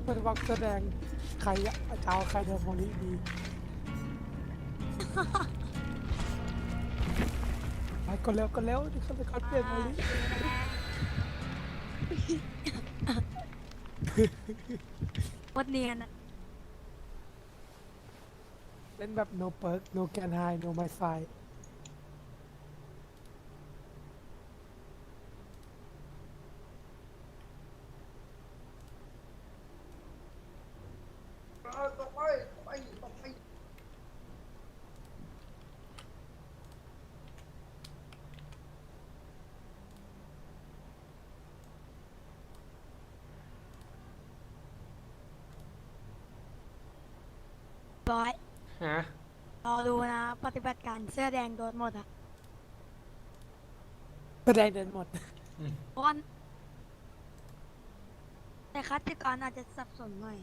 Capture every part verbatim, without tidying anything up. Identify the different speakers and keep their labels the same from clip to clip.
Speaker 1: มันวักแสดงใครอะเจ้าใครเดินโมลิดีไปก็เร็วก็เร็วเขาจะเขาเปลี่ยนโมลิ
Speaker 2: วัดเนียนอะ
Speaker 1: เล่นแบบ no perk no can hide no my fight
Speaker 3: ต่อไปต่อไปต่อไป
Speaker 2: บอย
Speaker 4: ฮะ
Speaker 2: รอดูนะปฏิบัติการเสื้อแดงโดนหมดอะ
Speaker 1: แสดงเดินหมด
Speaker 2: เพราะว่าแต่คัดติกรอาจจะสับสนหน่อย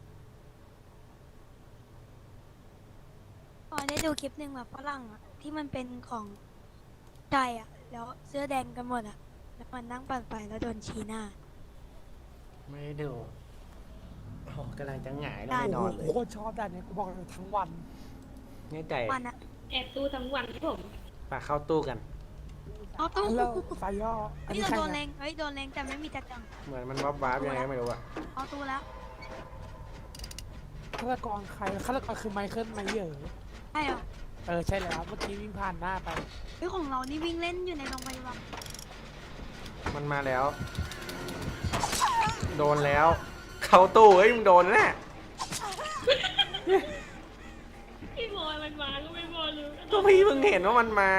Speaker 2: พอได้ดูคลิปหนึ่งแบบฝรั่งอะที่มันเป็นของไทยอะแล้วเสื้อแดงกันหมดอะแล้วมันนั่งปั่นไปแล้วโดนชี้หน้า
Speaker 4: ไม่ได้ดูโอ้กำลังจะหงายลง
Speaker 2: ได้
Speaker 4: ไปน
Speaker 1: โอ้
Speaker 4: อน
Speaker 1: โห
Speaker 4: เลย
Speaker 1: โคตรชอบด่านเนี้ยกูบอกเลยทั้งวัน
Speaker 4: แน่ใจ
Speaker 2: วันอะ
Speaker 5: แอบดูทั้งวันครับผม
Speaker 4: ปาเข้าตู้กัน
Speaker 2: เอาตู้
Speaker 1: แล้วไฟย่ออัน
Speaker 2: นี่
Speaker 1: นี้
Speaker 2: เรา
Speaker 1: ใคร
Speaker 2: โดนเล
Speaker 1: นะ
Speaker 2: งเฮ้ยโดนเลงแต่ไม่มีจัดจัง
Speaker 4: เหมือนมันวับวับยังไงก็ไม่รู้อะ
Speaker 2: เอาตู้แล้ว
Speaker 1: ฆาตกรใครฆาตกรคือไมเคิลไมเยอร์
Speaker 2: ใช่เหรอ
Speaker 1: เออใช่แล้วเมื่อกี้วิ่งผ่านหน้าไป
Speaker 2: เฮ้ยของเรานี่วิ่งเล่นอยู่ในโรงพยาบาล
Speaker 4: มันมาแล้ว โดนแล้ว เข้าตู้เฮ้ยมึงโดนแน่
Speaker 5: พี่บอยมันมาก็ไม่บอยเลย
Speaker 4: ก็พี่เพิ่งเห็นว่ามันมา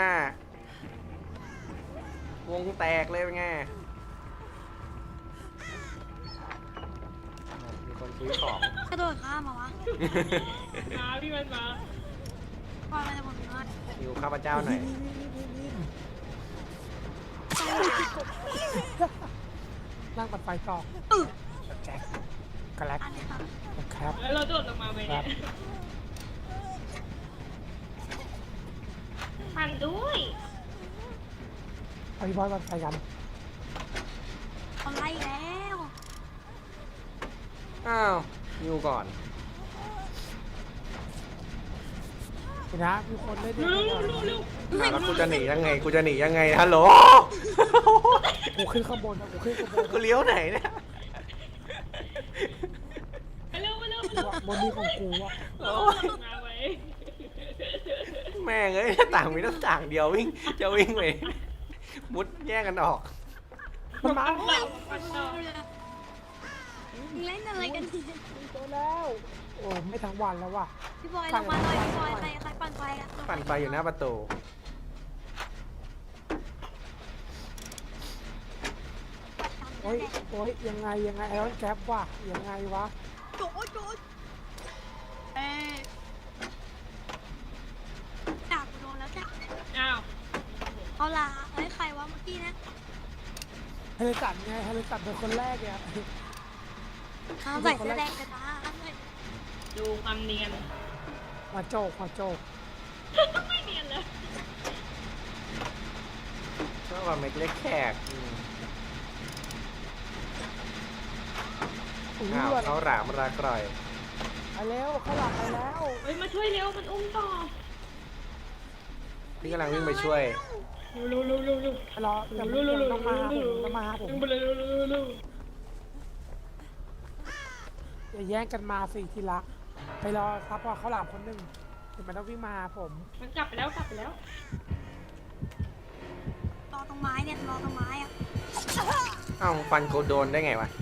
Speaker 4: วงแตกเลยเป็นไงมีคนซื้อของ
Speaker 2: กระโดดข้ามมาวะ
Speaker 5: มาพี่มันมา
Speaker 2: ปล่อยมันจะหมดเงิน
Speaker 4: อยู่ข้าพเจ้าหน่อย
Speaker 1: นั่งปัดไฟต่อแจ็คกระแลก
Speaker 2: อันนี้ครับ
Speaker 1: ครับ
Speaker 5: แล้วเราโดดลงมาไหมเนี่ยปั่นด้วย
Speaker 1: ไปบอยปัดไฟกัน
Speaker 2: เอาไล่แล้ว
Speaker 4: อ้าวอยู่ก่อน
Speaker 1: เห็นนะมีคนเล่นด้ว
Speaker 5: เร็
Speaker 1: ยว
Speaker 5: เร็วเร็ว
Speaker 4: อ้าวแล้วกูจะหนียังไง กูจะหนียังไง ฮัลโหล
Speaker 1: กูขึ้นข้างบนนะกูขึ้นข้างบน
Speaker 4: กูเลี้ยวไหนเนี่ย
Speaker 5: ไปเร็วไปเร็วไป
Speaker 1: กู
Speaker 5: เร็ว
Speaker 1: อะบนนี้ของกูอะ
Speaker 5: เรามาไว้
Speaker 4: แม่งเอ้ยหน้าต่างมีหน้าต่างเดียววิ่ง จะวิ่งไปมุดแย่งกันออก
Speaker 1: มันมา
Speaker 5: ปั่นต่อปั่นต่อ
Speaker 2: เล่นอะไรกันเนี่ย
Speaker 1: ตัวแล้วโอ้ไม่ทั้งวันแล้วว่ะ
Speaker 2: พี่บอยลงมาหน่อยพี่บอยใครใครปั่นไฟอะ
Speaker 4: ปั่นไฟอยู่หน้าประตู
Speaker 1: โอ้ยโอ้ยยังไงยังไงไอรอนแก๊ปว่ะยังไงวะ
Speaker 2: โจดโจดเอ๊ะจับโดนแล้วจ้ะ
Speaker 5: อ้าว
Speaker 2: เอาล่ะเฮ้ยใครวะเมื่อกี้นะ
Speaker 1: เฮลิสันไงเฮลิสันเป็นคนแรกเนี่ย
Speaker 2: ห้ามใส่เสื้อแดงกันนะห้ามใส่
Speaker 5: ดูความเนียน
Speaker 1: มาโจกมาโจก
Speaker 5: ไม่เนียนเลย
Speaker 4: ชอบว่าเม็กเล็กแขกอืม
Speaker 1: อุ้ย
Speaker 4: อ้าว
Speaker 1: ว่ะ
Speaker 4: เขาหลามรากร่อย
Speaker 1: ไปแล้วเข้าหลังไปแล้ว
Speaker 5: เฮ้ยมาช่วยเร็วมันอุ้มต่อ
Speaker 4: พี่กำลังวิ่งไปช่วย
Speaker 5: เร็วเร็วเร็วเร็ว
Speaker 1: ไปรอจะไม่ต้องมาหาผมต้องมาหาผม
Speaker 5: เร็วเร็วเร็วเร็ว
Speaker 1: อย่าแย่งกันมาสิทีละไปรอซับพอเขาหลังคนหนึ่งถึงมันต้องวิ่งมาหาผม
Speaker 5: มันกลับไปแล้วกลับไปแล้ว
Speaker 2: รอตรงไม้เนี่ยรอตรงไม้อะ
Speaker 4: อ้าวฟันกูโดนได้ไงวะ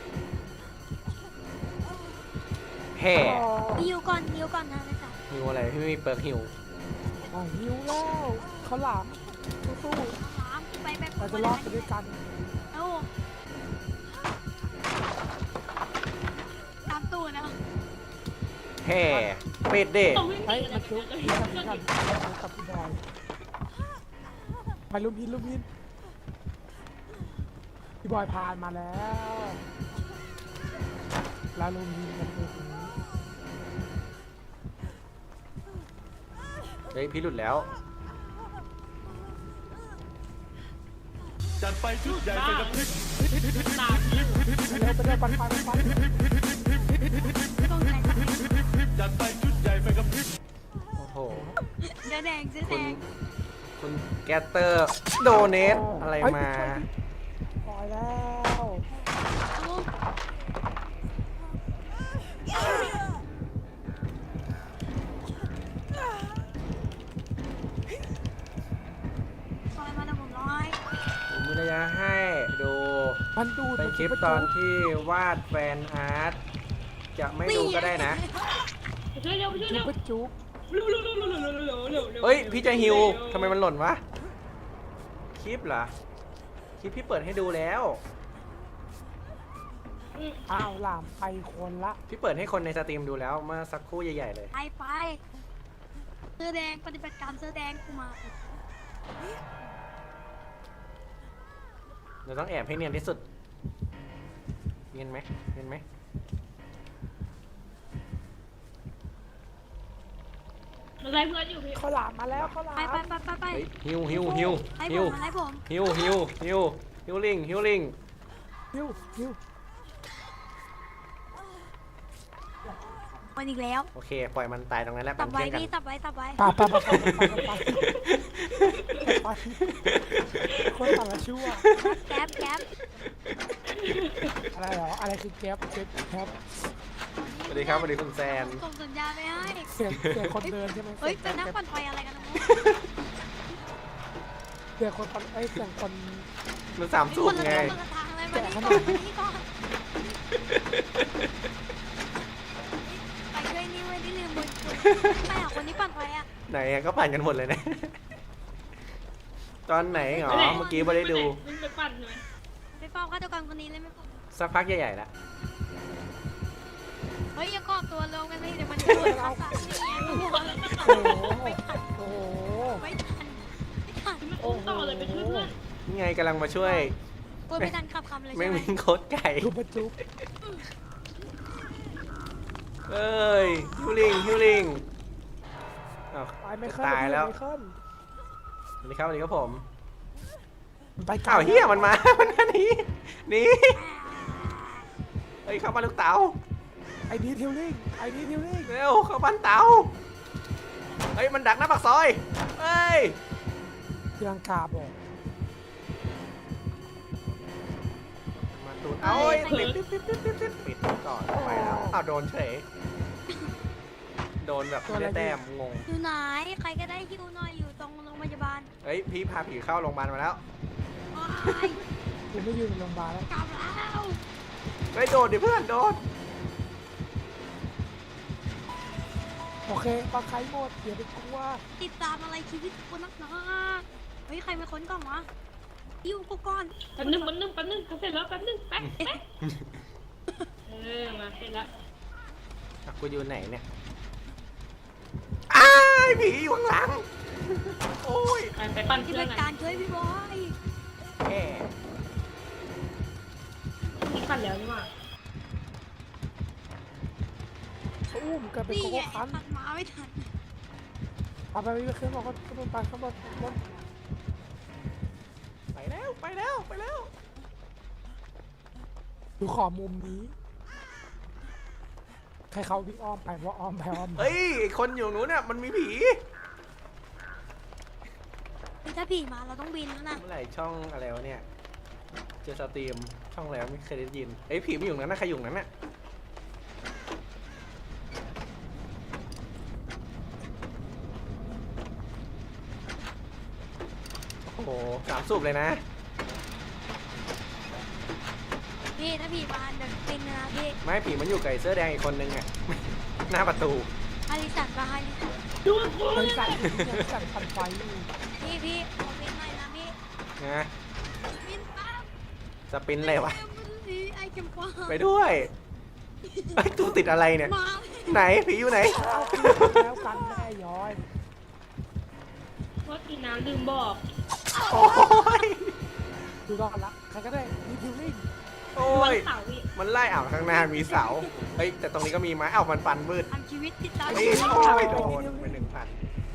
Speaker 4: แห่
Speaker 1: อ๋อ
Speaker 2: ฮิวก่อนฮิวก่อนนะนะจ๊ะ
Speaker 4: หิวอะไรพี่ไม่มีเปิร์กหิว
Speaker 1: อ๋อหิวแล้วเขาหลามสู้
Speaker 2: น้ำไปแบบ
Speaker 1: ๆเราจะรอดไปด้วยกัน
Speaker 2: เอ้าตามตู้นะ
Speaker 4: แห่เป็ดเด้
Speaker 5: ต้องวิ่งห
Speaker 1: เฮ้ย
Speaker 5: นี
Speaker 1: มาจุ๊บพี่กันพี่กันกับพี่บอยไปลุมพินลุมพินพี่บอยผ่านมาแล้วแล้วลุมพินกันเลยทีนี้
Speaker 4: เฮ้ยพี่หลุดแล้ว
Speaker 6: จัดไปชุดใหญ่เป็นน้ำพริก
Speaker 5: ตาม
Speaker 1: ไปเร็วไปเร็วปันปันปัน
Speaker 2: ต้องใจ
Speaker 6: จัดไปชุดใหญ่ไปกับพริบ
Speaker 4: โอ้โห
Speaker 2: เสื้อแดงเสื้อ
Speaker 4: คุ
Speaker 2: แด
Speaker 4: ณ
Speaker 2: ง
Speaker 4: คุณแกตเตอร์โดเนทอะไรมา
Speaker 1: ปล่อยแล้ว
Speaker 2: โอ้ ซอยมาแล้วผมร้อย
Speaker 4: ผมมีระยะให้ดู
Speaker 1: มันดูด
Speaker 4: เป็นคลิปตอนที่วาดแฟนอาร์ตจะไม่ดูก็ได้นะ
Speaker 5: ไปช่วยเร็วไปช่วย
Speaker 1: จุ๊
Speaker 5: เร็
Speaker 1: บ
Speaker 5: ว
Speaker 1: ไปจุ๊บ
Speaker 5: เร็วเร็วเร็วเร็วเร็วเร็วเร็วเร็ว
Speaker 4: เฮ้ย พี่จะฮิวทำไมมันหล่นวะ คลิปเหรอ คลิปพี่เปิดให้ดูแล้ว
Speaker 1: อ้าวหลามไปคนละ
Speaker 4: พี่เปิดให้คนในสตรีมดูแล้วเมื่อสักครู่ใหญ่ๆเลย
Speaker 2: ไปไปเสื้อแดงปฏิบัติการเสื้อแดงกูมา
Speaker 4: เราต้องแอบให้เนียนที่สุด เนียนไหมเนียนไหม
Speaker 5: มันไล่เพื่อนอยู่พี่
Speaker 1: เขาหลามมาแล้วเขาหลาม
Speaker 2: ไปไปไปไปไป
Speaker 4: เฮ้ยฮิวฮิวฮิว
Speaker 2: ให้
Speaker 4: ฮิ
Speaker 2: ผ
Speaker 4: ว
Speaker 2: มให้ผม
Speaker 4: ฮิวฮิวฮิวฮิวลิงฮิวลิง
Speaker 1: ฮิวฮิว
Speaker 2: วันอีกแล้ว
Speaker 4: โอเค ปล่อยมันตายตรงนั้นแล้ว
Speaker 2: ตั
Speaker 4: เป็
Speaker 2: บ
Speaker 4: น
Speaker 2: ไว้
Speaker 4: เพื่อนกัน
Speaker 2: พี่ตับไว้ตับไว้
Speaker 1: ปาปาปาปาปาปาปาคนต่างละชั่ว
Speaker 2: แก๊บแก๊บ
Speaker 1: อะไรเหรออะไรคือแก๊ปแก๊ปแก๊ป
Speaker 4: สวัสดีครับสวัสดีคุณแซน
Speaker 2: ส่งสัญญาณไปให้
Speaker 1: เสียงเสียงคนเดินใช่ไหม
Speaker 2: เฮ้ยเป็นนักปั่นไฟอะไรกันนะ
Speaker 1: เสียงคนไอ้ยเสียงคน
Speaker 4: มันสาม
Speaker 2: มึง
Speaker 4: สู
Speaker 2: ค
Speaker 4: บ
Speaker 2: นละ
Speaker 4: ไง
Speaker 2: ทางคนละทางเลยมานี่ก่อนมานี่ก่อนไปช่วยนี่เว้ยที่ลืมบุญคุณไปหาคนที่ปั่นไฟอ่ะ
Speaker 4: ไหนอะก็ผ่านกันหมดเลยนะ ตอนไหนเหรอ เมื่อกี้ไม่ได้ดู
Speaker 5: มันไปปั่นหน่อย
Speaker 2: ไปเฝ้าฆาตกรคนนี้เลยไม่พอ
Speaker 4: สักพักใหญ่ๆแล้ว
Speaker 2: เฮ้ยอย่ากอบตัวลงกันเลยเดี๋ยวมันจะโดนเราสั่งนี่ไงโอ้โห
Speaker 1: โอ้โหโอ้โห
Speaker 2: ไม่ทันไม่ทัน
Speaker 5: มันอุ้มต่อเลยไปช่วยเพื่อน
Speaker 4: นี่ไงกำลังมาช่วย
Speaker 2: พูดไม่ทันขับคำเลย
Speaker 4: ไม่
Speaker 2: ใช่ไหม
Speaker 4: วิ่งโคตรไก่
Speaker 1: จุ๊บมาจุ๊บ
Speaker 4: เอ้ยฮิวลิงฮิวลิงอ้าว
Speaker 1: ไปไม่
Speaker 4: จะ
Speaker 1: ขึ้น
Speaker 4: ตายแล้ว
Speaker 1: ไม่ขึ้น
Speaker 4: สวัสดีครับสวัสดีครับผม
Speaker 1: ไปไกล
Speaker 4: อ้าวเฮียมันมา มันมาหนีหนีเฮ้ยเข้าบ้านลูกเต๋า
Speaker 1: ไอ้นี่ทิวลิงไอ้นี่ทิวลิง
Speaker 4: เร็วเข้าบ้านเต๋าเฮ้ยมันดักหน้าปากซอยเฮ้ย
Speaker 1: ตีลังกาบอก
Speaker 4: มาตูดเอาเอ้ยปิดปิดปิดปิดปิดปิดปิดก่อนไปแล้วอ้าวโดนเฉยโดนแบบไม่ได้แต้มงง
Speaker 2: อยู่ไหนใครก็ได้ฮิวหน่อยอยู่ตรงโรงพยาบาล
Speaker 4: เฮ้ยพี่พาผีเข้าโรงพยาบาลมาแล้ว
Speaker 2: โอ๊ย
Speaker 1: กูไม่ยืนในโรงพยาบาลแล้ว
Speaker 2: กลับแล้ว
Speaker 4: เฮ้ยโดนดิเพื่อนโดน
Speaker 1: โอเคปลาไข่หมดอย่าไปกลัว
Speaker 2: ติดตามอะไรชีวิตกูนักหนาเฮ้ยใครมาค้นกล่องวะฮิวกูก่อน
Speaker 5: แป๊บนึงแป๊บนึงแป๊บนึงเขาเสร็จแล้วแป๊บนึงแป๊บแป๊บเออมาเสร็จแล้ว
Speaker 4: อ่ะกูอยู่ไหนเนี่ยอ้ายผีอยู่ข้างหลังโอ้ย
Speaker 5: ไปไปปั่น
Speaker 2: ที่
Speaker 5: เพื่อ
Speaker 2: เป็น น
Speaker 5: กั
Speaker 2: กาน รช่วยพี่บอย
Speaker 4: แย่
Speaker 5: นี่ปั่นแล้วนี่หว่า
Speaker 1: อุ้มกันเป็น
Speaker 2: นี่
Speaker 1: โก
Speaker 2: ไง
Speaker 1: โก้คัน
Speaker 2: ตัดมาไม่ทัน
Speaker 1: เอาไปไปขึ้นบอกเขาขึ้นไปข้างบนข้างบน
Speaker 4: ไปแล้วไปแล้วไปแล้ว
Speaker 1: ดูขอมุมนี้ ใครเขาวิ่งอ้อมไปว่าอ้อมไปอ้อมมา
Speaker 4: เฮ้ยไอ้คนอยู่นู้นเนี่ยมันมีผี
Speaker 2: คือถ้าผีมาเราต้องบินแล้วนะ
Speaker 4: เมื่อไหร่ช่องอะไรวะเนี่ยเจอสตรีมช่องแล้วไม่เคยได้ยินเอ้ยผีไม่อยู่นั้นนะใครอยู่นั้นน่ะโอ้โหสามสูบเลยนะ
Speaker 2: พี่ถ้าผีมาเดี๋ยวบินนะพี่
Speaker 4: ไม่ผีมันอยู่กับไอ้เสื้อแดงอีกคนนึงอ่ะ หน้าประตู
Speaker 2: ฮาริสันปะฮาริสัน
Speaker 5: ดูกู
Speaker 1: บริษัทยังสั่นพันไฟอยู่
Speaker 2: พี่พี่ขอบินหน่อยนะพี่
Speaker 4: นะ
Speaker 2: บินปั๊บ
Speaker 4: สปินเลยวะ
Speaker 2: ไอ้เข็มกวาง
Speaker 4: ไปด้วยไอ้ยตูติดอะไรเนี่ย
Speaker 2: มา
Speaker 4: ไหนผีอยู่ไหน
Speaker 1: เอาคืนแล้วกันแม่ย้อย
Speaker 5: ว่ากินน้ำลืมบอก
Speaker 4: โอ้ย
Speaker 1: ดูรอดละใครก็ได้มีทิวลิง
Speaker 4: โอ้
Speaker 5: วัน
Speaker 4: ย
Speaker 5: เสาร์อีก
Speaker 4: มันไล่อ่าวข้างหน้ามีเสา เฮ้ย แต่ตรงนี้ก็มีไม้อ้าวมันฟันมืด
Speaker 2: ทำชีวิตติดตาม
Speaker 4: เฮ้ย
Speaker 2: ชีวิต
Speaker 4: โอ้ยโดนไปหนึ่งพัน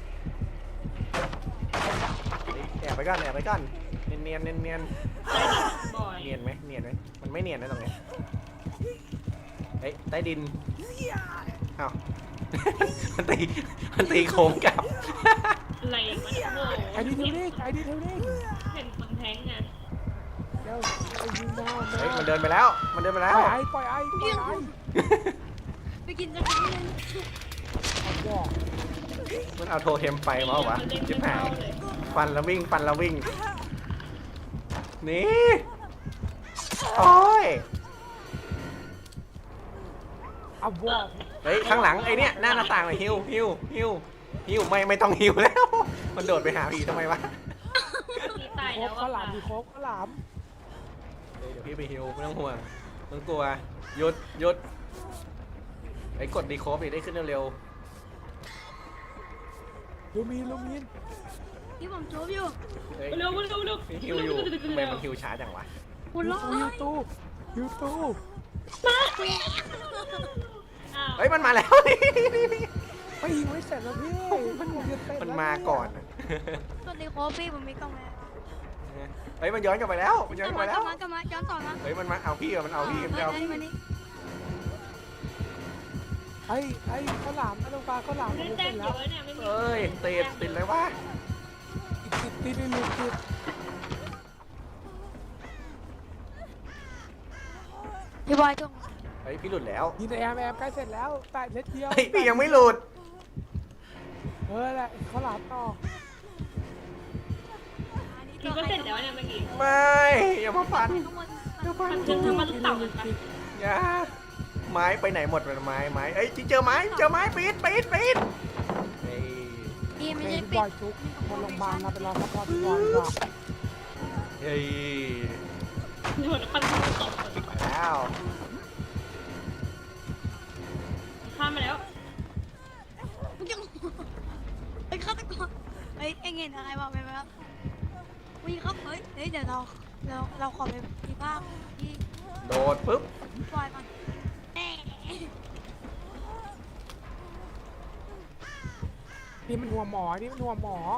Speaker 4: แอบไปก่อนแอบไปก่อนเนียนเนียนเนียนเนียน
Speaker 5: บ่อย
Speaker 4: เนียนไหมเนียนไหมมันไม่เนียนนะตรงนี้ไอ้อ้ยใต้ดินเอ้า มันตีมันตีโค้งกลับ
Speaker 5: อะไรมันโอ้โห
Speaker 1: ไอ้ดีเทลนิ่งไอ้ดีเทลนิ่ง
Speaker 5: เห็นคนแทงไง
Speaker 1: เดี๋ยวไอ้ยิงแมวแม
Speaker 4: เฮ้ยว มันเดินไปแล้วมันเดินไป
Speaker 1: ป
Speaker 4: แล้
Speaker 1: ล่
Speaker 4: ว
Speaker 1: อยไอ้ปล่อยไอ้ปล่อยไอ้
Speaker 2: ไปกินกันที่นึง
Speaker 1: เอาบอก
Speaker 4: มันเอาโทเทมไปมาเหรอวะ
Speaker 5: เล่น
Speaker 4: จิบ
Speaker 5: ไม่
Speaker 4: หาย
Speaker 5: เข้าเลย
Speaker 4: ฟันแล้ววิ่งฟันแล้ววิ่งหนี่โอ้ย
Speaker 1: เอาบอก
Speaker 4: เฮ้ยข้างหลังไอ้เนี่ยหน้าหน้าต่างเลยฮิวฮิวฮิวฮิวไม่ไม่ต้องฮิวแล้ว มันโดดไปหาผีทำไมวะ
Speaker 5: มีตาย
Speaker 1: โค
Speaker 5: แล้ว
Speaker 1: กข้าวหลา
Speaker 5: อ่ะ
Speaker 1: มดีโคกข้าวหลาม
Speaker 4: เดี๋ยวพี่ไปฮิวไม่ต้องห่วงไม่ต้องกลัวหยุดหยุดไอ้กดดีโคฟดิได้ขึ้นเร็ว
Speaker 1: ลูมินลูมิน
Speaker 2: ที่ผมจูบอยู่
Speaker 4: ๆเฮ้ย
Speaker 5: เร็วเร็วเร็ว
Speaker 4: พี่ฮิวอยู่ทำไมมันฮิวช้าจังวะ
Speaker 2: คุณร้อ
Speaker 1: ยู
Speaker 2: ย
Speaker 1: ทูยูทู
Speaker 5: อ้าว
Speaker 4: เฮ้ยมันมาแล้ว
Speaker 1: ไม่ยิงไม่เสร็จแล้วพี่มันยิงเสร็จ
Speaker 4: มัน
Speaker 1: แล้ว
Speaker 4: มาก่อน
Speaker 2: สวัสดีโคฟี่ผมมีกล้องแล้ว
Speaker 4: เฮ้ยมันย้อนกลับไปแล้วมันย้อน
Speaker 2: ก
Speaker 4: ก
Speaker 2: ลั
Speaker 4: ลั
Speaker 2: บบ
Speaker 4: ไป
Speaker 2: มา
Speaker 4: แล้ว
Speaker 2: กลับมากลับมาย้อนต่อนะ
Speaker 4: เฮ้ยมันมาเอาพี่อะมันเอาพี่มันเอาพี่
Speaker 2: มานี่มานี่
Speaker 1: ไอ้ไอ้ข้าวหลามไอ้ลูกปลาข้าวหลาม
Speaker 5: ไม่
Speaker 1: มัน
Speaker 5: ได้
Speaker 1: เส
Speaker 5: แต้
Speaker 1: ร็
Speaker 5: ม
Speaker 1: จ
Speaker 5: เย
Speaker 1: แล้ว
Speaker 5: อะเนี่ยไม่มี
Speaker 4: เอ้ยติดติดเลยวะ
Speaker 1: ติดติดติดติดติด
Speaker 2: พี่บอยจง
Speaker 4: เฮ้ยพี่หลุดแล้ว
Speaker 1: ยิงแต่แอมแอมใกล้เสร็จแล้วแปดเล็ดเดียว
Speaker 4: เฮ้ยพี่ยังไม่หลุด
Speaker 1: เออแหละข้าวหลามต่อ
Speaker 5: คิดว่าเสร็จแล้วเนี่ยเมื่อกี้
Speaker 4: ไม่อย่ามาฟัน
Speaker 2: ข้างบน
Speaker 4: อย่าฟัน
Speaker 5: มันคือมันเต่ากันปะ
Speaker 4: อย่าไม้ไปไหนหมดเลยไม้ไม้เอ้ยเจอไม้เจอไม้ปีดปีดปีดเฮ้ย
Speaker 2: นี่ไม่
Speaker 1: เฮ้
Speaker 2: ใช่
Speaker 1: ย
Speaker 2: ปิ
Speaker 1: บอ
Speaker 2: ด
Speaker 1: ยจุกบนโรงพยาบาลเราไปรอซัพพอร์ตบอยดีกว่า
Speaker 4: เฮ้ย
Speaker 5: โดนปันตก
Speaker 4: ไปแล้ว
Speaker 5: ข้ามมาแล้ว
Speaker 2: มึงยังไอ้ฆาตกรเฮ้ยเอ็งเห็นอะไรบอกไปไหมครับวิ่งครับเฮ้ยเฮ้ยเดี๋ยวเราเราเราขอไปที่ภาคที่
Speaker 4: โดดปุ๊บ
Speaker 2: บอยก่อนแน่
Speaker 1: นี่มันหัวหมอนี่มันหัวหมอ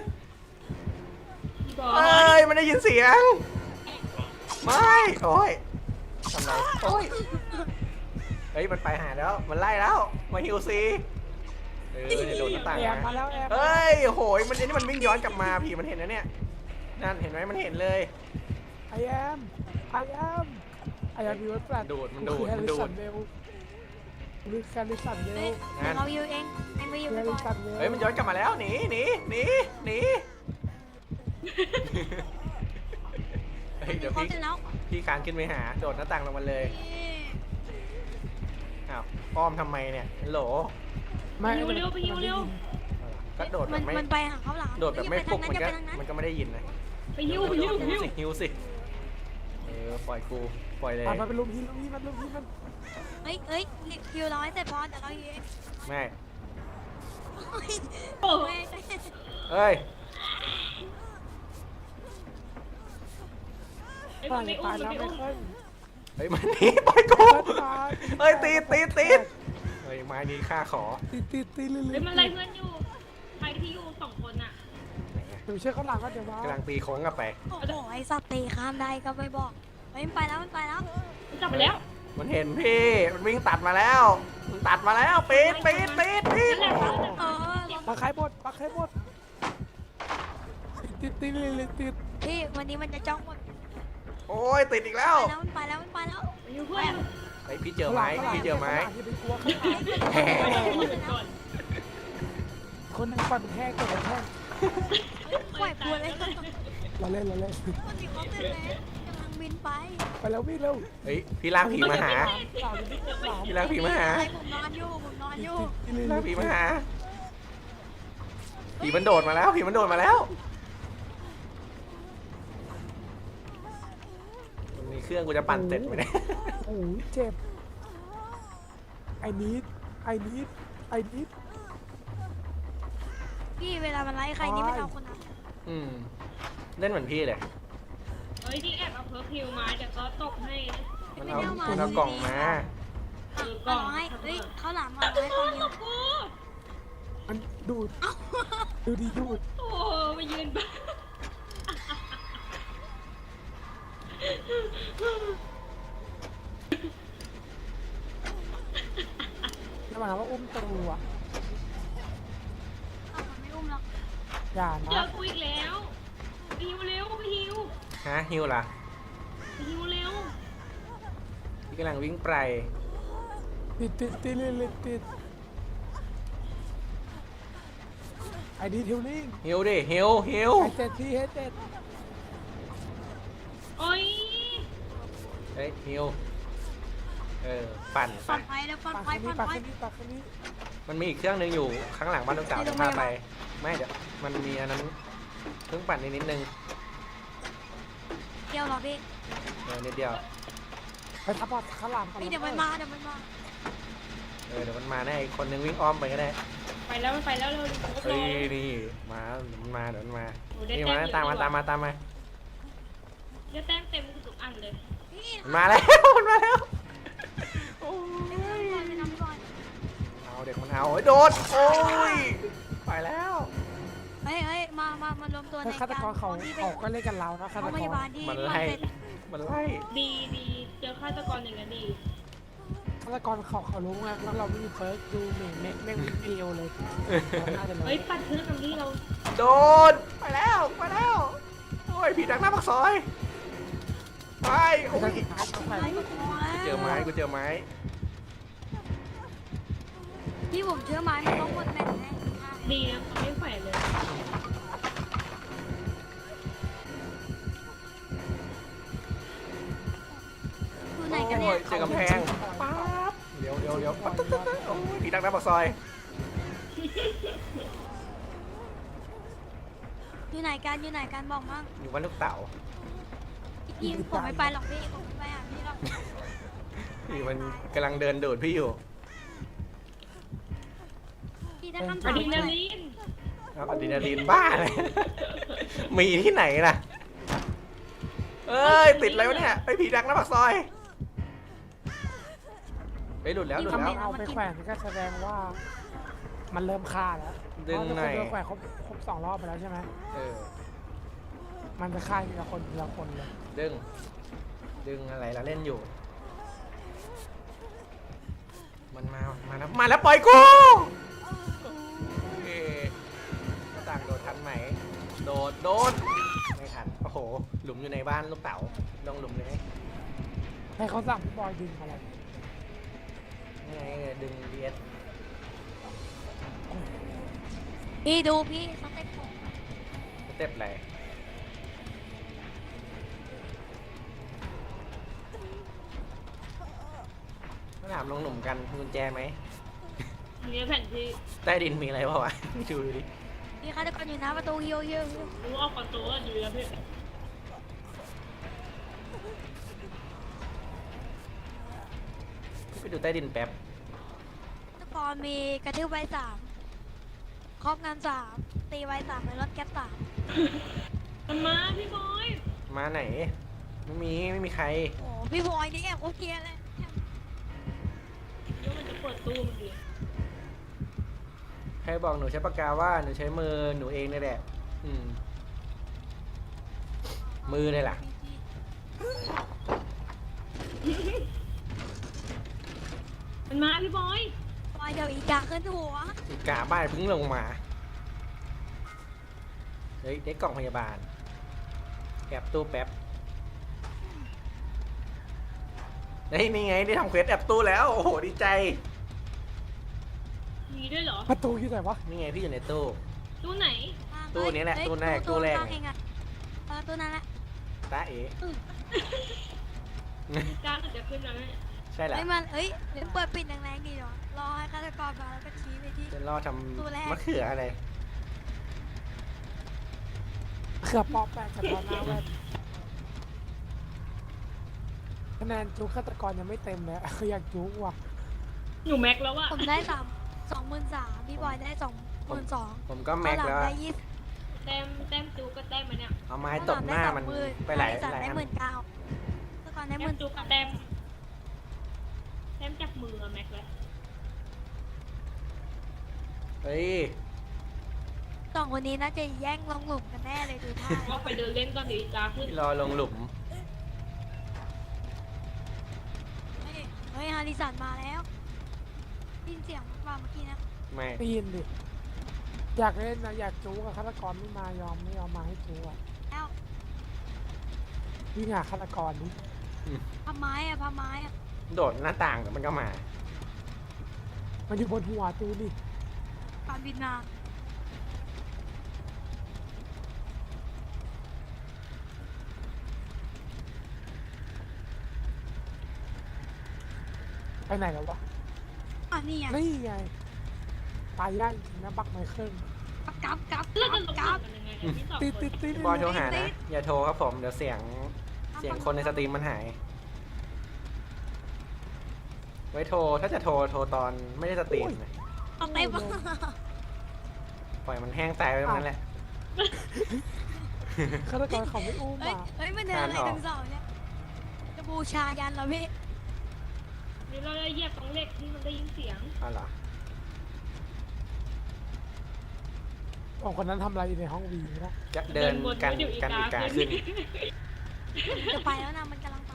Speaker 5: บอ
Speaker 4: เอ้ยมันได้ยินเสียงไม่โอ้ยทำไรโอ้ยเฮ้ยมันไปหาแล้วมันไล่แล้วมาฮิวซีเออโดนหน้าต่าง
Speaker 1: แอมมา
Speaker 4: มา
Speaker 1: แล้วแอม
Speaker 4: เฮ้ยโหยมันไอ้นี่มันวิ่งย้อนกลับมาผีมันเห็นนะเนี่ยนั่นเห็นไหมมันเห็นเลย
Speaker 1: ไอแอมไอแอมไอแอมมีวัตถุ
Speaker 4: ดูดมันดูดมันดูด
Speaker 1: เร็วหรือแคลิสันเร็
Speaker 2: เฮ้ยว เดี๋ยวเราอยู่เองเอ็งไปอยู่
Speaker 1: แค
Speaker 2: ไปก่
Speaker 1: ลิ
Speaker 2: อน
Speaker 1: สันเร็ว
Speaker 4: เฮ้ยมันย้อนกลับมาแล้วหนีหนีหนีหนีเฮ้ยเดี๋ยว
Speaker 2: เขา
Speaker 4: พี่
Speaker 2: เสร็จแล้ว
Speaker 4: พี่คานขึ้นไปหาโดดหน้าต่างลงมาเลยอ้าวอ้อมทำไมเนี่ยโหล
Speaker 1: ไม่
Speaker 5: ฮิวเร็วไปฮิวเร็ว
Speaker 4: ก็โดดแบ
Speaker 2: มัน
Speaker 4: บไม่
Speaker 2: มันไปหาเขาหลัง
Speaker 4: โดดแบบไม่ปลุกมันก็
Speaker 2: อย่าไปทางนั้น
Speaker 4: มันก็ไม่ได้ยินนะ
Speaker 5: ไปฮิวไปฮิวไปฮิว
Speaker 4: สิฮิวสิเออปล่อยกูปล่อยเลย
Speaker 1: มันเป็นลุมที่ลุมที่มันลุมที่มัน
Speaker 2: เฮ้ยเฮ้ยคิวเราให้เสร็จพอเดี๋ยวเราอยู่เอง
Speaker 4: ไม่
Speaker 5: โอ้
Speaker 2: เฮ้ย
Speaker 4: เอ้ย
Speaker 5: ไอ้
Speaker 1: ตา
Speaker 5: มัน
Speaker 1: ย
Speaker 5: ไม่อุ้
Speaker 1: ตาม ย
Speaker 5: มัน
Speaker 1: แล้ว
Speaker 5: ไม่
Speaker 1: ไม่
Speaker 5: อุ้ม
Speaker 1: ค่อย
Speaker 4: เฮ้ยมันหนีปล่อยกู
Speaker 1: ตาย
Speaker 4: เฮ้ยตีดตีดตีดเฮ้ยไม้นี้ข้าขอ
Speaker 1: ตีตีตีเรื่อย
Speaker 5: เฮ้ยมันไล่เพื่อนอยู่ใครที่อยู่สองคนอ่ะ
Speaker 1: หนูเชื่อเขาหลังก็เดี๋ยวมาก
Speaker 4: ำลังตีโค้งกลับไป
Speaker 2: โอ้โหไอสัตว์ตีข้ามได้ก็ไม่บอกเฮ้ยมันไปแล้วมันไปแล้ว
Speaker 5: มันกลับมาแล้ว
Speaker 4: มันเห็นพี่ มันวิ่งตัดมาแล้ว มันตัดมาแล้วปีดปีดปีดปีด
Speaker 5: นั่นแหละ
Speaker 2: เออ
Speaker 1: ปลาไข่บดปลาไข่บดตีตีเรื่อยๆตี
Speaker 2: พี่วันนี้มันจะจ้องหมด
Speaker 4: โอ้ยติดอีกแล้ว
Speaker 2: ไปแล้วมันไปแล้วมันไปแล้ว
Speaker 5: ไปอยู่เพื่อน
Speaker 4: ไอยพี่เจอไม้พี่เจอไม้
Speaker 1: อย่าไปกลัวเขาคนนึงปั่นแห้งตัวแห้ง
Speaker 2: ปล่อยกลัวเลย
Speaker 1: เราเล่นเราเล่น
Speaker 2: มันมีเขาเป็นแล้วกำลังบินไป
Speaker 1: ไปแล้ววิ่งเร็ว
Speaker 4: เฮ้ยพี่ลากผีมาหา
Speaker 1: สาวนี่สาว
Speaker 4: พี่ลากผีมาหา
Speaker 2: ผมนอนอยู่ผมนอนอยู่
Speaker 4: พี่ลากผีมาหา ผีมันโดดมาแล้ว ผีมันโดดมาแล้วมีเครื่องกูจะปั่นเสร็จไหมเนี่ย
Speaker 1: โอ้ยเจ็บไอ้นิดไอ้นิดไอ้นิด
Speaker 2: พี่เวลามันไล่ใครนี่ไม่เอาคนนั้น
Speaker 4: อืมเล่นเหมือนพี่เลย
Speaker 5: เฮ้ยที่แอบเอาเพิร์คิวมาเดี๋ยวก็ตกให้นะ
Speaker 4: มันเอามันเอากล่องมา
Speaker 5: เออ
Speaker 2: ก็ร้อยเฮ้ยเขาหลามมาให้ตอนนี้
Speaker 5: กู
Speaker 1: มันดูดดูดีดูด
Speaker 5: โอ้มายืนบ้า
Speaker 1: หมายความว่าอุ้มตูอ่ะ
Speaker 2: อ้าวมันไม่อุ้มหรอก
Speaker 1: อย่า
Speaker 5: เจอ
Speaker 1: นะ
Speaker 5: กูอีกแล้วไปฮิวเร็วไปฮิว
Speaker 4: ฮะฮิวล่ะ
Speaker 5: ไปฮิวเร็ว
Speaker 4: พี่กำลังวิ่งไป
Speaker 1: ติดติดติดติดติดไอดีทิวลิง
Speaker 4: ฮิวดิฮิวฮิว
Speaker 1: ไอเจ็ดที่เฮเจ็ด
Speaker 5: โอ้ย
Speaker 4: เฮ้ยฮิวเออปั่น
Speaker 2: ปล
Speaker 4: ไป
Speaker 2: อดภัยแล้วปลอด
Speaker 1: ปาก
Speaker 2: ภัย
Speaker 1: คน
Speaker 2: ปล
Speaker 1: นี้
Speaker 2: อด
Speaker 1: ปาก
Speaker 2: ภั
Speaker 1: ค
Speaker 2: ย
Speaker 1: นนี้ปากคนนี้
Speaker 4: มันมีอีกเครื่องหนึงอยู่ข้างหลังบ้านลูกสาว
Speaker 2: ที่
Speaker 4: จะ
Speaker 2: โรง
Speaker 4: พา
Speaker 2: พยาบาล
Speaker 4: ไปไม่เดี๋ยวมันมีอันนั้นเพิ่งปั่นนิดนิดนึง
Speaker 2: เดียวเหรอพี่
Speaker 4: เออนิดเดียว
Speaker 1: ไปทับบอสข้าวหลามก่อน
Speaker 2: พี่เดี๋ยวมันมาเดี๋ยวมันมา
Speaker 4: เออเดี๋ยวมันมาแน่อีกคนนึงวิ่งอ้อมไปก็ได้
Speaker 5: ไปแล้วมันไปแล้วเร็วเร็ว
Speaker 4: เฮ้ยนี่มาเดี๋ยวมันมาเดี๋ยวมันมา
Speaker 5: โอ้ได้
Speaker 4: นี่
Speaker 5: แต้
Speaker 4: มาม
Speaker 5: เยอะ
Speaker 4: ตามมา
Speaker 5: ดีว่ะ
Speaker 4: ตามมาตามมา
Speaker 5: ได้แต้มเต็มทุกอันเลย
Speaker 2: พี่
Speaker 4: มันมาแล้ว มันมาแล้วโอ้
Speaker 2: ไปทำก่อนไปทำก่อน
Speaker 4: เอาเด็กมันเอาโอ้ยโดนโอ้ยไปแล้ว
Speaker 2: เฮ้ยเฮ้ยมามามารวมตัวใน
Speaker 1: เฮ้ยฆาตกรเขา
Speaker 2: ที่ไป
Speaker 1: เขาก็เล่นกันเรานะฆา
Speaker 2: โร
Speaker 1: ต
Speaker 2: ง
Speaker 1: ก
Speaker 2: พยาร บาลที่
Speaker 4: มัน
Speaker 2: มัน
Speaker 4: ไล่
Speaker 2: เสร็จ
Speaker 4: มันไล่
Speaker 5: ดีดีเจอฆาตกรอย่างนั้นดี
Speaker 1: ฆาตกรเขาเขารู้ไงว่าเราไม่มีเฟิร์สดูเมงเมงเมงวิดีโอเลยน่าจะรู้
Speaker 5: เฮ้ยปัดพื้นกับนี่เรา
Speaker 4: โดนไปแล้วไปแล้วโอ้ยผีดักหน้าปากซอยไปโอ้
Speaker 1: ไม่
Speaker 4: ย
Speaker 1: ใช่สุดท้ายต้องไป
Speaker 2: ไอ้ก็พอแล้ว
Speaker 4: เจอไม้กูเจอไม้
Speaker 2: พี่ผมเชื่อไม้มันต้องหมดแม่นแน่
Speaker 5: ดีนะเขาไม่แขวนเลย
Speaker 2: อยู่ไหน
Speaker 4: โอ้
Speaker 2: กันเนี่ย
Speaker 4: ยเจอกำแพงป๊าบเดี๋ยวเดี๋ยวเดี๋ยวปั๊บตึ๊ดตึ๊ดตึ๊ดโอ้ยผีดักหน้าปากซอย
Speaker 2: อยู่ไหนกันอยู่ไหนกันบอกมั่ง
Speaker 4: อยู่บ้านลูกเต๋า
Speaker 2: พี่ผมไม่ไปหรอกพี่ผมไม่ไปหาพี่หรอก
Speaker 4: พี่มันกำลังเดินโดดพี่อยู่
Speaker 2: พี่ถ้าคำ
Speaker 5: อะ
Speaker 2: ถาม
Speaker 5: ดรีนาลีน
Speaker 4: เอาอะดรีนาลีนบ้าเลย มีที่ไหนล่ะเอ้ยติดอะไรวะเนี่ยไปผีดักหน้าปากซอยไปหลุดแล้วหลุด
Speaker 1: ถ้า
Speaker 4: แล้
Speaker 1: ไม่
Speaker 4: ว
Speaker 1: เอาไปแขวนก็แสดงว่า มันเริ่มฆ่าแล้ว
Speaker 4: ดึงหน่อย
Speaker 1: เพราะว่าถ้าคนโดนแขวนครบครบสองรอบไปแล้วใช่ไหม
Speaker 4: เออ
Speaker 1: มันจะฆ่าทีละคนทีละคนเลย
Speaker 4: ดึง ดึงอะไรแล้วเล่นอยู่ มันมา มาแล้ว มาแล้วปล่อยกูโอเคหน้าต่างโดดทันไหม โดด โดด ไม่ทัน โอ้โห หลุมอยู่ในบ้านลูกเต๋าลงหลุมเลย
Speaker 1: ให้เขาสั่งพี่บอยดึงอะไร
Speaker 4: นี่ไงดึงดีเอส
Speaker 2: พี่ดูพี่เขาเต็มผม
Speaker 4: สเต็ปอะไรมาถามลงหลุมกันมีกุญแจไหม
Speaker 5: มีแผ่นที่
Speaker 4: ใต้ดินมีอะไรเปล่าวะ ดูดิ
Speaker 2: พี่ฆาตกรอยู่หน้าประตูเฮียวเฮียวเฮียว
Speaker 5: รู้ออกประตูอะอยู่แล้วพี่
Speaker 4: ไปดูใต้ดินแป๊บ
Speaker 2: ฆาตกรมีกระทืบใบสามครอบงานสามตีใบสามในรถแก๊ปสาม
Speaker 5: มันมาพี่บอย
Speaker 4: มาไหน ไม่มี ไม่มีใคร
Speaker 2: โอ้พี่บอยนี่แอบโอเคเลย
Speaker 5: เดี๋ยวมันจะเปิดตู้มันดี
Speaker 4: ใครบอกหนูใช้ปากกาว่าหนูใช้มือหนูเองนี่แหละ อืม มือเลยล่ะ
Speaker 5: มันมาพี่บอย
Speaker 2: บอยเดี๋ยวอีกาขึ้นหัว
Speaker 4: อีกาบ้านเพิ่งลงมา เฮ้ยได้กล่องพยาบาลแอบตู้แป๊บเฮ้ยนี่ไงได้ทำเควสแอบตู้แล้ว โอ้โหดีใจ
Speaker 5: มีด้วยเหรอ
Speaker 1: ประตูที่ไหนวะ
Speaker 4: นี่ไงพี่อยู่ในตู้
Speaker 5: ตู้ไหน
Speaker 4: ตู้นี้แหละ
Speaker 2: เฮ้ย
Speaker 4: ตู้แรกตู้แรก
Speaker 2: ข้างเองอะเออตู้นั้นแหละ
Speaker 4: ตาเอ๋
Speaker 5: กล้าจะขึ้นแล้วไหม
Speaker 4: ใช่แหละ
Speaker 2: เฮ้ยมันเฮ้ยเดี๋ยวเปิดปิดแรงๆดีเนาะรอให้ฆาตกรมาแล้วก็ชี้ไปที่
Speaker 4: จะรอท
Speaker 2: ตู้แรก
Speaker 4: ำมะเขืออะไร
Speaker 1: เขือปอกแปะกับตอนหน้าแว่นคะแนนจุกฆาตกรยังไม่เต็มเลยคืออยากจุกว่ะ
Speaker 5: หนูแม็กแล้วอะ
Speaker 2: ผมได้สามสองหมื่นสามพี่บอยได้สองหมื่นสอง
Speaker 4: ผมก็แม็กแล้ว
Speaker 2: ได้ยี่สิบ
Speaker 5: แต้มแต้มจูก็แต้มมาเนี่ย
Speaker 4: เอาไม้ตบหน้ามันไปหลาย
Speaker 2: สัต
Speaker 4: หลาย
Speaker 2: ได้
Speaker 4: อัน
Speaker 2: หมื่นเก้าฆาตกรได้ห
Speaker 5: แต้
Speaker 2: มื่
Speaker 5: ม
Speaker 2: น
Speaker 5: จูกับแต้มแต้มจับมืออะแม็กแล้ว
Speaker 4: เฮ้ย
Speaker 2: สองคนนี้น่าจะแย่งลงหลุมกันแน่เลยดูท่า
Speaker 5: ก็ไปเดินเล่นตอนเดี๋ยวอีกาขึ้น
Speaker 4: พี่รอลงหลุม
Speaker 2: เฮ้ยเฮ้ยฮาริสันมาแล้วได้ยินเสียงว่าเมื่อกี้นะ
Speaker 4: ไม่
Speaker 1: ได้ยินดิ อยากเล่นนะอยากจู๊กับฆาตกรไม่มายอมไม่ยอมมาให้จู๊อ่ะ
Speaker 2: แล้ว
Speaker 1: วิ่งหาฆาตกรดิ
Speaker 2: พาไม้อะพาไม้อะ
Speaker 4: โดดหน้าต่างเดี๋ยวมันก็มา
Speaker 1: มันอยู่บนหัวจูดิ
Speaker 2: ตอนบินมา
Speaker 1: ไปไหนแล้ววะ
Speaker 2: อ่ะนี่ไง
Speaker 1: นี่ไงไปได้จริงนะบักไมเคิล
Speaker 2: กลับกลับก
Speaker 5: แล้
Speaker 2: ลั
Speaker 5: ว
Speaker 2: บ
Speaker 5: จะลง
Speaker 2: กลับ
Speaker 5: กันยังไงพี่สอง
Speaker 1: ติด
Speaker 5: ค
Speaker 1: ติ
Speaker 5: น
Speaker 1: ดติด
Speaker 4: บอยโทรหานะ อย่าโทรครับผม เดี๋ยวเสียง เสียงคนในสตรีมมันหาย ไว้โทร ถ้าจะโทร โทรตอนไม่ได้สตรีมนะ
Speaker 2: เอาเต็ม
Speaker 4: ปล่อยมันแห้งตายไปตรงนั้นแหละ
Speaker 1: ฆาตกรเขาไม่อุ้ม
Speaker 2: เฮ้ย
Speaker 1: อ่ะ
Speaker 2: เฮ้ยมันเดินอะไรทั้งสองเนี่ยจะบูชายันเหรอพี่
Speaker 5: นี่เราได้เหยียบตรงเหล็กที่มันได้ยินเสียง
Speaker 4: เอาเหรอ
Speaker 1: สองคนนั้นทำอะไรอยู่ในห้องวีนะ
Speaker 4: จะเดิน
Speaker 5: วน
Speaker 4: กัน
Speaker 5: ไว้เดี๋ยวอี
Speaker 4: กัน
Speaker 5: กา
Speaker 4: อีกา
Speaker 5: ขึ้
Speaker 4: ขึ้
Speaker 5: น
Speaker 4: น
Speaker 2: จะไปแล้วนะมันกำลังไป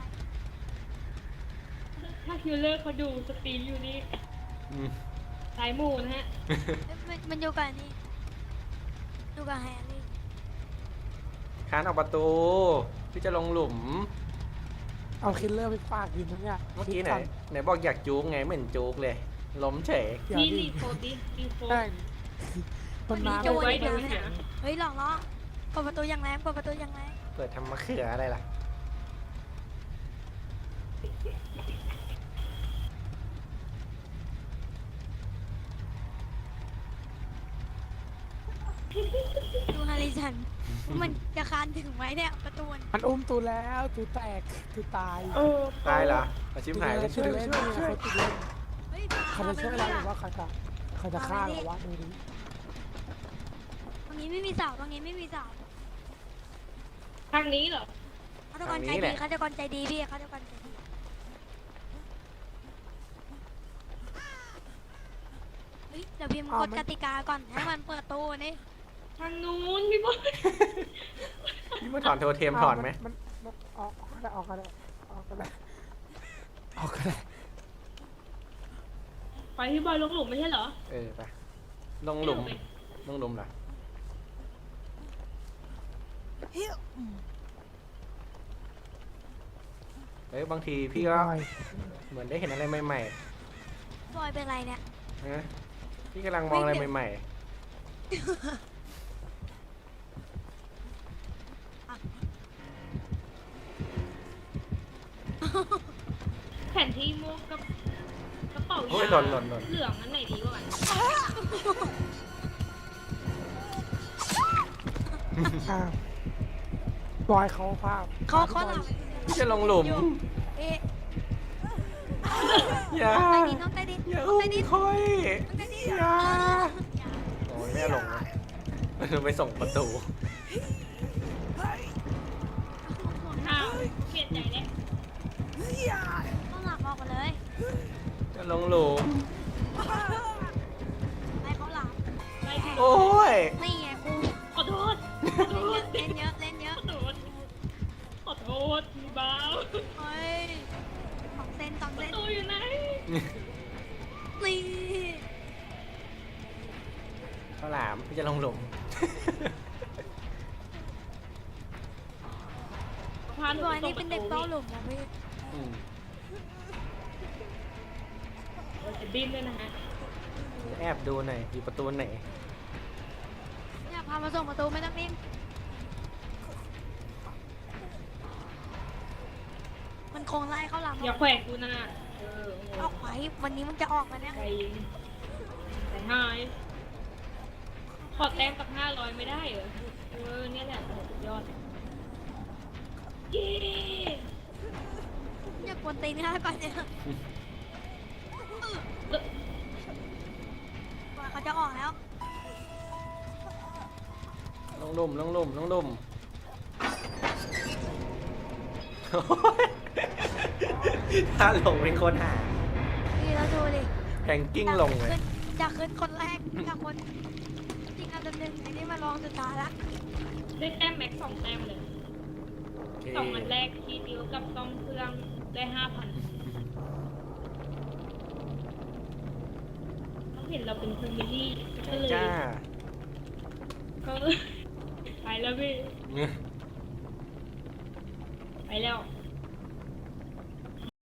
Speaker 5: ถ้าคิวเลอร์เขาดูสตรีมอยู่นี่
Speaker 4: อืม
Speaker 5: สายหมู่นะฮะ
Speaker 2: เอ้ยมันมันอยู่กับนี่อยู่กับแฮร์รี่
Speaker 4: คานออกประตู พี่จะลงหลุม
Speaker 1: เอาคิลเลอร์ไปฝากยินนะเนี่ย
Speaker 4: เมื่อกี้ไหนไหนบอกอยากจูกไงไม่เห็นจูกเลย ล้มเฉย
Speaker 1: เดี๋ยว
Speaker 5: นี่
Speaker 1: ดิ
Speaker 5: รีโฟดิรีโฟ
Speaker 1: แม่งมันมา
Speaker 5: จะ
Speaker 1: ไม่
Speaker 5: ไว้
Speaker 1: ได้
Speaker 5: ดู
Speaker 1: นะ
Speaker 5: หนัง
Speaker 2: เฮ้ยหลอกล้อเปิดประตูอย่างแรงเปิดประตูอย่างแรง
Speaker 4: เปิดทำมะเขืออะไรล่ะ
Speaker 2: ดูฮาริสันว่ามันจะคานถึงไหมเนี่ยประตูมัน
Speaker 1: มันอุ้มตูแล้วตูแตกตูตาย
Speaker 5: เออ
Speaker 4: ตายเหรออาชิมหายเลย
Speaker 1: ช่วยเล่นเนี่ยเขาติดเล่น
Speaker 2: เฮ้ย
Speaker 1: เขาจะช่วยเราหรือว่าเขาจะเขาจะฆ่าเราวะดูดิ
Speaker 2: ตรงนี้ไม่มีเสาตรงนี้ไม่มีเสา
Speaker 5: ทางนี้เหรอ
Speaker 2: ฆาตกรใจดีฆาตกรใจดีพี่ฆาตกรใจดีเฮ้ยเดี๋ยวพิมพ์กฎกติกาก่อนให้มันเปิดตู้นี่
Speaker 5: ทางนู้นพี่บอย
Speaker 4: พี่มาถอนโทเทมถอนไหม
Speaker 1: มันมันออกก็ได้ออกก็ได้ออกก็ได้ออกก็ได้
Speaker 5: ไปพี่บอยลงหลุมไม่ใช่เหรอ
Speaker 4: เออไปลงหลุมลงหลุมเหรอเอ้ยบางทีพี่ก็
Speaker 1: บอย
Speaker 4: เหมือนได้เห็นอะไรใหม่
Speaker 2: บอยเป็นไรเนี่ย
Speaker 4: ๆนะพี่กำลังมองอะไรใหม่
Speaker 5: แผนที่ม่วงกับกระเป๋า
Speaker 4: ๆโอ้ยหล่นหล่นหล่น
Speaker 5: เหลืองอันไหนดีกว่ากัน
Speaker 1: อ้าวบอยเขาภาพ
Speaker 2: เขาเขาหลับ
Speaker 4: พี่จะลงหลุม
Speaker 2: อยู่เอ๊ะ
Speaker 4: อย่า
Speaker 2: น้องใต้ดินน้องใต้ดิน
Speaker 4: อย่า
Speaker 2: น้อง
Speaker 4: อุ้ม
Speaker 2: ใต้ดิน
Speaker 4: ค่อย
Speaker 2: น้องใต้ดิน
Speaker 4: อย่าโอ้ยไม่เอาลงนะไปส่งประตู
Speaker 5: อ้าวเปลี่ยนใจแล้ว
Speaker 2: ต้องหลับออกมาเลย
Speaker 4: จะลงหลุม
Speaker 2: ให้เขาหลับ
Speaker 5: ไปแข่ง
Speaker 4: โอ้ย
Speaker 2: นี่ไงครู
Speaker 5: ขอโทษขอโทษ
Speaker 2: เล่นเยอะเล่นเยอะ
Speaker 5: ขอโทษขอโทษมีบ้า
Speaker 2: เฮ้ยสองเซนสอง
Speaker 5: ป
Speaker 2: เซ
Speaker 5: ระ
Speaker 2: น
Speaker 5: ตูอยู่ไหน
Speaker 2: นี่
Speaker 4: ข้าวหลามพี่จะลงหลุม
Speaker 5: พาห
Speaker 2: พี่
Speaker 5: นู
Speaker 2: บอย
Speaker 5: ไปส่
Speaker 2: นี่
Speaker 5: งป
Speaker 2: เป็น
Speaker 5: ระ
Speaker 2: เด็ก
Speaker 5: ตู
Speaker 2: เต้าหลุมเหรอพี่
Speaker 4: อืม
Speaker 5: จะดิ้นด้วยนะฮะ
Speaker 4: แอบดูหน่อยอยู่ประตูไหน
Speaker 2: เนี่ยพามาส่งประตูไม่ต้องนิ่งมันคงไล่เขาหลัง
Speaker 5: อย่าแขวกกูนะเออ
Speaker 2: ออกไปวันนี้มันจะออกมาเนี่ย
Speaker 5: ใจใจหายขอแต้มกับห้าร้อยไม่ได้เหรอเออเนี่ยแหละสุดยอดเย้
Speaker 2: อย่ากวนตีนข้าก่อนเนี่ย
Speaker 5: เออ
Speaker 2: ว่าเขาจะออกแล้ว
Speaker 4: ลงหลุมลงหลุมลงหลุม ถ้าลงเป็นคนหา
Speaker 2: นี่เราดูดิ
Speaker 4: แพงกิ้งลงเลย
Speaker 2: จากขึ้นคนแรกจากคนจริงอันดับหนึ่งไอ้นี่มาลองสุดท้ายละ
Speaker 5: ได้แต้มแม็กสองแต้มเลย
Speaker 4: โอเค
Speaker 5: สองอันแรกทีเดียวกับซ่อมเครื่องได้ห้าพันเห็นเราเป็นแฟมิลี่ก็
Speaker 4: ใช่
Speaker 5: เลย
Speaker 4: จ้า
Speaker 5: ก็ ไปแล้วพี่ ไปแล้ว